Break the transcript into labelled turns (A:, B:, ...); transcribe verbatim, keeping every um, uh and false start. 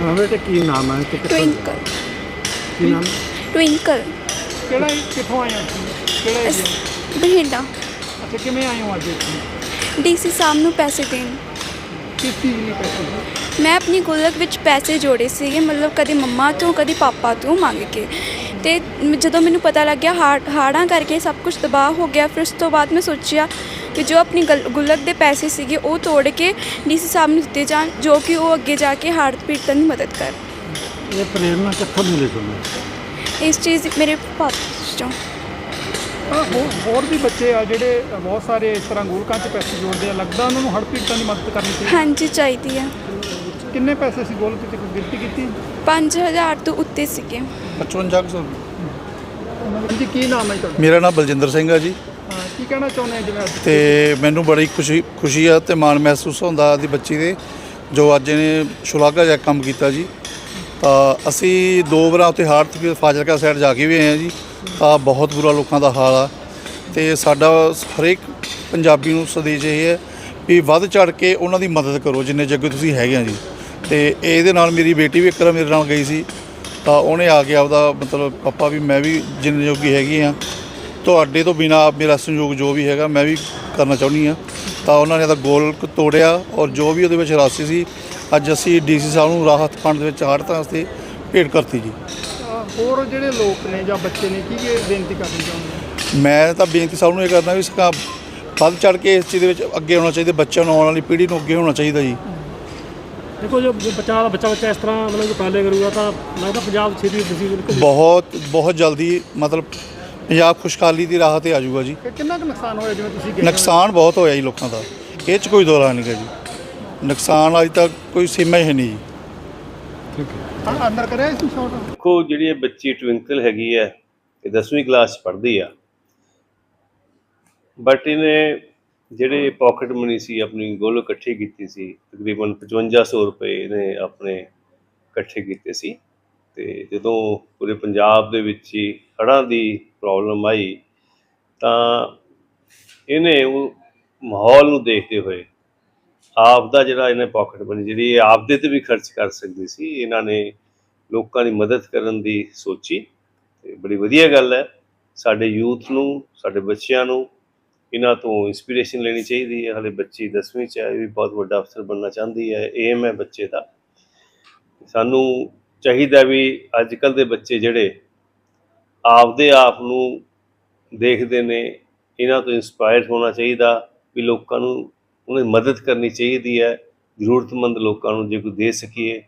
A: ਹਾਂ ਬੇਟੇ ਕੀ ਨਾਮ ਹੈ ਤੇ ਕਿੱਥੋਂ
B: ट्विंकल
A: ਕੀ ਨਾਮ
B: ट्विंकल
C: ਕਿਹੜਾ ਕਿੱਥੋਂ ਆਏ ਹੋ ਤੁਸੀਂ? ਕਿਹੜਾ ਏਰੀਆ?
B: बठिंडा
C: ਅੱਛਾ, ਕਿਵੇਂ ਆਏ ਹੋ ਅੱਜ ਇੱਥੇ?
B: ਡੀਸੀ ਸਾਹਿਬ ਨੂੰ ਪੈਸੇ ਦੇਣ।
C: ਕਿਸ ਚੀਜ਼ ਲਈ ਪੈਸੇ?
B: ਮੈਂ ਆਪਣੀ ਗੁਲਕ ਵਿੱਚ ਪੈਸੇ ਜੋੜੇ ਸੀਗੇ, ਮਤਲਬ ਕਦੇ ਮੰਮਾ ਤੋਂ ਕਦੇ ਪਾਪਾ ਤੋਂ ਮੰਗ ਕੇ, ਅਤੇ ਜਦੋਂ ਮੈਨੂੰ ਪਤਾ ਲੱਗਿਆ ਹਾੜ ਹਾੜਾਂ ਕਰਕੇ ਸਭ ਕੁਝ ਤਬਾਹ ਹੋ ਗਿਆ, ਫਿਰ ਉਸ ਤੋਂ ਬਾਅਦ ਮੈਂ ਸੋਚਿਆ ਕਿ ਜੋ ਆਪਣੀ ਗਲ ਗੁਲਕ ਦੇ ਪੈਸੇ ਸੀਗੇ ਉਹ ਤੋੜ ਕੇ ਡੀਸੀ ਸਾਹਿਬ ਨੂੰ ਦਿੱਤੇ ਜਾਣ, ਜੋ ਕਿ ਉਹ ਅੱਗੇ ਜਾ ਕੇ ਹਾੜ ਪੀੜਤਾਂ ਦੀ ਮਦਦ ਕਰ।
A: ਇਹ ਪ੍ਰੇਰਨਾ ਕਿੱਥੋਂ ਮਿਲੀ ਤੁਹਾਨੂੰ?
B: ਇਸ ਚੀਜ਼ ਮੇਰੇ ਪਾਪਾ ਚੋਂ।
C: ਹਾਂ, ਹੋਰ ਹੋਰ ਵੀ ਬੱਚੇ ਆ ਜਿਹੜੇ ਬਹੁਤ ਸਾਰੇ ਇਸ ਤਰ੍ਹਾਂ ਗੋਲਕਾਂ 'ਚ ਪੈਸੇ ਜੋੜਦੇ ਆ, ਲੱਗਦਾ ਉਹਨਾਂ ਨੂੰ ਹੜ੍ਹ ਪੀੜਤਾਂ ਦੀ ਮਦਦ ਕਰਨੀ ਚਾਹੀਦੀ।
B: ਹਾਂਜੀ ਚਾਹੀਦੀ ਆ।
C: ਕਿੰਨੇ ਪੈਸੇ ਸੀ ਗੋਲਕ 'ਚ, ਕੋਈ ਗਿਣਤੀ ਕੀਤੀ?
B: ਪੰਜ ਹਜ਼ਾਰ ਤੋਂ ਉੱਤੇ ਸੀਗੇ।
D: ਪਚਵੰਜਾ ਸੌ।
C: ਹਾਂਜੀ, ਕੀ ਨਾਮ ਹੈ ਤੁਹਾਡਾ?
D: ਮੇਰਾ ਨਾਮ ਬਲਜਿੰਦਰ ਸਿੰਘ ਆ ਜੀ,
C: ਹਾਂ, ਕੀ ਕਹਿਣਾ ਚਾਹੁੰਦੇ ਆ ਜਿਵੇਂ ਅੱਜ?
D: ਤੇ ਮੈਨੂੰ ਬੜੀ ਖੁਸ਼ੀ ਖੁਸ਼ੀ ਆ ਤੇ ਮਾਣ ਮਹਿਸੂਸ ਹੁੰਦਾ ਦੀ ਬੱਚੀ ਦੇ, ਜੋ ਅੱਜ ਇਹਨੇ ਸ਼ਲਾਘਾਯੋਗ ਕੰਮ ਕੀਤਾ ਜੀ। ਤਾਂ ਅਸੀਂ ਦੋ ਵਾਰ ਉੱਥੇ ਹਾੜ੍ਹ ਤੇ ਫਾਜ਼ਿਲਕਾ ਸਾਈਡ ਜਾ ਕੇ ਵੀ ਆਏ ਹਾਂ ਜੀ, ਤਾਂ ਬਹੁਤ ਬੁਰਾ ਲੋਕਾਂ ਦਾ ਹਾਲ ਆ। ਤੇ ਸਾਡਾ ਹਰੇਕ ਪੰਜਾਬੀ ਨੂੰ ਸੰਦੇਸ਼ ਇਹ ਹੈ ਵੀ ਵੱਧ ਚੜ੍ਹ ਕੇ ਉਹਨਾਂ ਦੀ ਮਦਦ ਕਰੋ ਜਿੰਨੇ ਜੱਗੇ ਤੁਸੀਂ ਹੈਗੇ ਆ ਜੀ। ਤੇ ਇਹਦੇ ਨਾਲ ਮੇਰੀ ਬੇਟੀ ਵੀ ਇੱਕ ਵਾਰ ਮੇਰੇ ਨਾਲ ਗਈ ਸੀ, ਤਾਂ ਉਹਨੇ ਆ ਕੇ ਆਪਦਾ ਮਤਲਬ ਪਾਪਾ ਵੀ ਮੈਂ ਵੀ ਜਿੰਨੇ ਜੋਗੀ ਹੈਗੀ ਆ, ਤੁਹਾਡੇ ਤੋਂ ਬਿਨਾਂ ਮੇਰਾ ਸੰਯੋਗ ਜੋ ਵੀ ਹੈਗਾ ਮੈਂ ਵੀ ਕਰਨਾ ਚਾਹੁੰਦੀ ਹਾਂ। ਤਾਂ ਉਹਨਾਂ ਨੇ ਤਾਂ ਗੋਲ ਤੋੜਿਆ, ਔਰ ਜੋ ਵੀ ਉਹਦੇ ਵਿੱਚ ਰਾਸ਼ੀ ਸੀ ਅੱਜ ਅਸੀਂ ਡੀ ਸੀ ਸਾਹਿਬ ਨੂੰ ਰਾਹਤ ਫੰਡ ਦੇ ਵਿੱਚ ਹਾੜ੍ਹਾਂ ਵਾਸਤੇ ਭੇਟ ਕਰਤੀ ਜੀ।
C: ਅ, ਹੋਰ ਜਿਹੜੇ ਲੋਕ ਨੇ ਜਾਂ ਬੱਚੇ ਨੇ ਕੀ ਕੀ ਬੇਨਤੀ ਕਰਨੀ ਚਾਹੁੰਦੇ?
D: ਮੈਂ ਤਾਂ ਬੇਨਤੀ ਸਭ ਨੂੰ ਇਹ ਕਰਦਾ ਵੀ ਸਕਾ ਵੱਧ ਚੜ੍ਹ ਕੇ ਇਸ ਚੀਜ਼ ਦੇ ਵਿੱਚ ਅੱਗੇ ਆਉਣਾ ਚਾਹੀਦਾ, ਬੱਚਿਆਂ ਨੂੰ ਆਉਣ ਵਾਲੀ ਪੀੜ੍ਹੀ ਨੂੰ ਅੱਗੇ ਹੋਣਾ ਚਾਹੀਦਾ ਜੀ।
A: ਦੇਖੋ ਜੋ ਬੱਚਾ ਬੱਚਾ ਬੱਚਾ ਇਸ ਤਰ੍ਹਾਂ ਮਤਲਬ ਜੋ ਪਾਲੇ ਕਰੂਗਾ ਤਾਂ ਲੱਗਦਾ ਪੰਜਾਬ ਛੇਤੀ ਡਿਸੀਜ਼ਨ
D: ਬਹੁਤ ਬਹੁਤ ਜਲਦੀ ਮਤਲਬ ਪੰਜਾਬ ਖੁਸ਼ਹਾਲੀ ਦੀ ਰਾਹ 'ਤੇ ਆ ਜਾਊਗਾ ਜੀ।
C: ਕਿ ਕਿੰਨਾ ਕੁ ਨੁਕਸਾਨ ਹੋਇਆ ਜਿਵੇਂ ਤੁਸੀਂ ਗਏ?
D: ਨੁਕਸਾਨ ਬਹੁਤ ਹੋਇਆ ਜੀ ਲੋਕਾਂ ਦਾ, ਇਹ 'ਚ ਕੋਈ ਦੋਰਾ ਨਹੀਂ ਗਾ ਜੀ। ਨੁਕਸਾਨ ਅੱਜ ਤੱਕ ਕੋਈ ਸੀਮਾ ਹੀ ਹੈ ਨਹੀਂ ਜੀ।
C: ਹਾਂ, ਅੰਦਰ ਕਰਿਆ ਇਸ ਨੂੰ ਸ਼ਾਟ?
E: ਦੇਖੋ, ਜਿਹੜੀ ਇਹ ਬੱਚੀ ਟਵਿੰਕਲ ਹੈਗੀ ਹੈ, ਇਹ ਦਸਵੀਂ ਕਲਾਸ 'ਚ ਪੜ੍ਹਦੀ ਆ, ਬਟ ਇਹਨੇ ਜਿਹੜੇ ਪੋਕਟ ਮਨੀ ਸੀ ਆਪਣੀ ਗੋਲ ਇਕੱਠੀ ਕੀਤੀ ਸੀ, ਤਕਰੀਬਨ ਪਚਵੰਜਾ ਸੌ ਰੁਪਏ ਇਹਨੇ ਆਪਣੇ ਇਕੱਠੇ ਕੀਤੇ ਸੀ। ਅਤੇ ਜਦੋਂ ਪੂਰੇ ਪੰਜਾਬ ਦੇ ਵਿੱਚ ਹੀ ਹੜ੍ਹਾਂ ਦੀ ਪ੍ਰੋਬਲਮ ਆਈ ਤਾਂ ਇਹਨੇ ਉਹ ਮਾਹੌਲ ਨੂੰ ਦੇਖਦੇ ਹੋਏ ਆਪ ਦਾ ਜਿਹੜਾ ਇਹਨੇ ਪੋਕਟ ਮਨੀ ਜਿਹੜੀ ਇਹ ਆਪਦੇ 'ਤੇ ਵੀ ਖਰਚ ਕਰ ਸਕਦੀ ਸੀ, ਇਹਨਾਂ ਨੇ ਲੋਕਾਂ ਦੀ ਮਦਦ ਕਰਨ ਦੀ ਸੋਚੀ। ਅਤੇ ਬੜੀ ਵਧੀਆ ਗੱਲ ਹੈ, ਸਾਡੇ ਯੂਥ ਨੂੰ, ਸਾਡੇ ਬੱਚਿਆਂ ਨੂੰ ਇਹਨਾਂ ਤੋਂ ਇੰਸਪੀਰੇਸ਼ਨ ਲੈਣੀ ਚਾਹੀਦੀ ਹੈ। ਹਾਲੇ ਬੱਚੀ ਦਸਵੀਂ 'ਚ ਹੈ, ਇਹ ਵੀ ਬਹੁਤ ਵੱਡਾ ਅਫਸਰ ਬਣਨਾ ਚਾਹੁੰਦੀ ਹੈ, ਏਮ ਹੈ ਬੱਚੇ ਦਾ। ਸਾਨੂੰ ਚਾਹੀਦਾ ਵੀ ਅੱਜ ਕੱਲ੍ਹ ਦੇ ਬੱਚੇ ਜਿਹੜੇ ਆਪਦੇ ਆਪ ਨੂੰ ਦੇਖਦੇ ਨੇ, ਇਹਨਾਂ ਤੋਂ ਇੰਸਪਾਇਰ ਹੋਣਾ ਚਾਹੀਦਾ ਵੀ ਲੋਕਾਂ ਨੂੰ ਉਹਨਾਂ ਦੀ ਮਦਦ ਕਰਨੀ ਚਾਹੀਦੀ ਹੈ। ਜ਼ਰੂਰਤਮੰਦ ਲੋਕਾਂ ਨੂੰ ਜੇ ਕੋਈ ਦੇ ਸਕੀਏ